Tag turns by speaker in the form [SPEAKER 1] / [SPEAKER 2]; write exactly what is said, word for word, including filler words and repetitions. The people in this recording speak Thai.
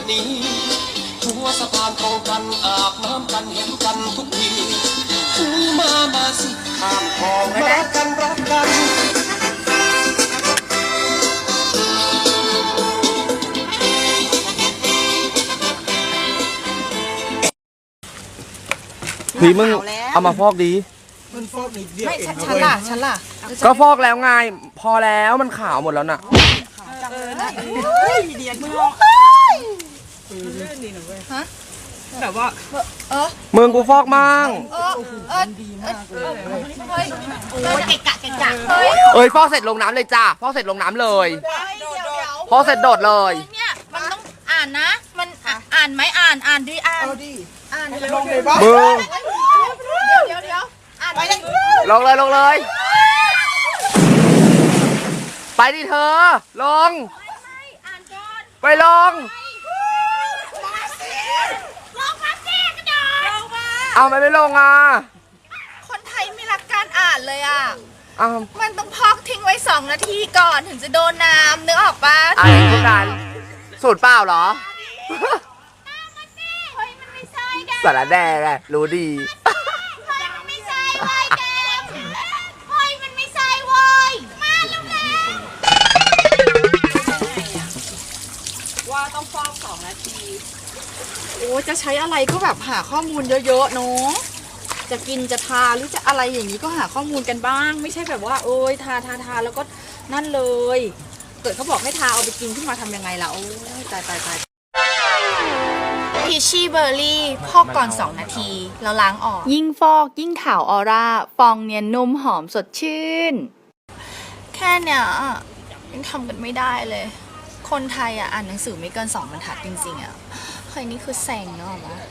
[SPEAKER 1] นี้หัวสะพานตรงกันอาบน้ำกันเห็นกันทุกทีมามาสิข้ามคลองมารักกันรักกัน
[SPEAKER 2] พี่มึงเอามาฟอกดี
[SPEAKER 3] มันฟอกนิดเดียว
[SPEAKER 4] ไม่
[SPEAKER 3] เอง
[SPEAKER 4] ฉันล่ะฉันล่ะ
[SPEAKER 2] ก็ฟอกแล้วไงพอแล้วมันขาวหมดแล้วน่ะ
[SPEAKER 4] เดียนมึงลองแบบว่าเออ
[SPEAKER 2] มึงกูฟอกมั่ง
[SPEAKER 4] เออเออดีมากเลยเฮ้ยโอ้ยเกะกะเกะกะเฮ้ย
[SPEAKER 2] เอ้ยฟอกเสร็จลงน้ำเลยจ้าฟอกเสร็จลงน้ำเลย
[SPEAKER 4] เดี๋ยวเดี๋ยว
[SPEAKER 2] ฟอกเสร็จโดดเลย
[SPEAKER 4] เนี่ยมันต้องอ่านนะ มันอ่านไหมอ่านอ่านดิอ่าน
[SPEAKER 3] เอาดิ
[SPEAKER 4] อ่าน
[SPEAKER 3] ลงเลยบ้าง
[SPEAKER 2] มึง
[SPEAKER 4] เดี๋ยวเดี๋ยวเดี๋ยวอ่านไปเลย
[SPEAKER 2] ลงเลยลงเลย ไปดิเธอ ลง
[SPEAKER 4] อ่านก่อน
[SPEAKER 2] ไปลง
[SPEAKER 4] มาสิลงมาสิกระโดดลงมา
[SPEAKER 2] เอาไม่ไปลงอ่ะ
[SPEAKER 4] คนไทยไม่รักการอ่านเลยอ่ะ
[SPEAKER 2] เอา
[SPEAKER 4] มันต้องพอกทิ้งไว้สองนาทีก่อนถึงจะโดนน้ำนึกออกปะ
[SPEAKER 2] ไอ้ทุกการสูตรเปล่าเหรอ
[SPEAKER 4] เฮ้ยมันไม่ใช่แก
[SPEAKER 2] สารแดงไงรู้ดี
[SPEAKER 4] เฮ้ยมันไม่ใช่เว้ยแกเฮ้ยมันไม่ใช่เว้ยมาแล้วแหละว่าต้องฟอกสองนาทีโอ้จะใช้อะไรก็แบบหาข้อมูลเยอะๆเนาะจะกินจะทาหรือจะอะไรอย่างนี้ก็หาข้อมูลกันบ้าง ไม่ใช่แบบว่าโอ้ยทาทาทาแล้วก็นั่นเลย เกิดเขาบอกให้ทาเอาไปกินขึ้นมาทำยังไงล่ะโอ้ยตายตายตายพีชี่เบอร์รี่พอกก่อนสองนาทีแล้วล้างออกยิ่งฟอกยิ่งขาวออร่าฟองเนียนนุ่มหอมสดชื่น แค่เนี้ยยังทำกันไม่ได้เลย คนไทยอ่ะอ่านหนังสือไม่เกินสองบรรทัดจริงๆอ่ะเฮ้ยนี่คือแซงเนาะวะ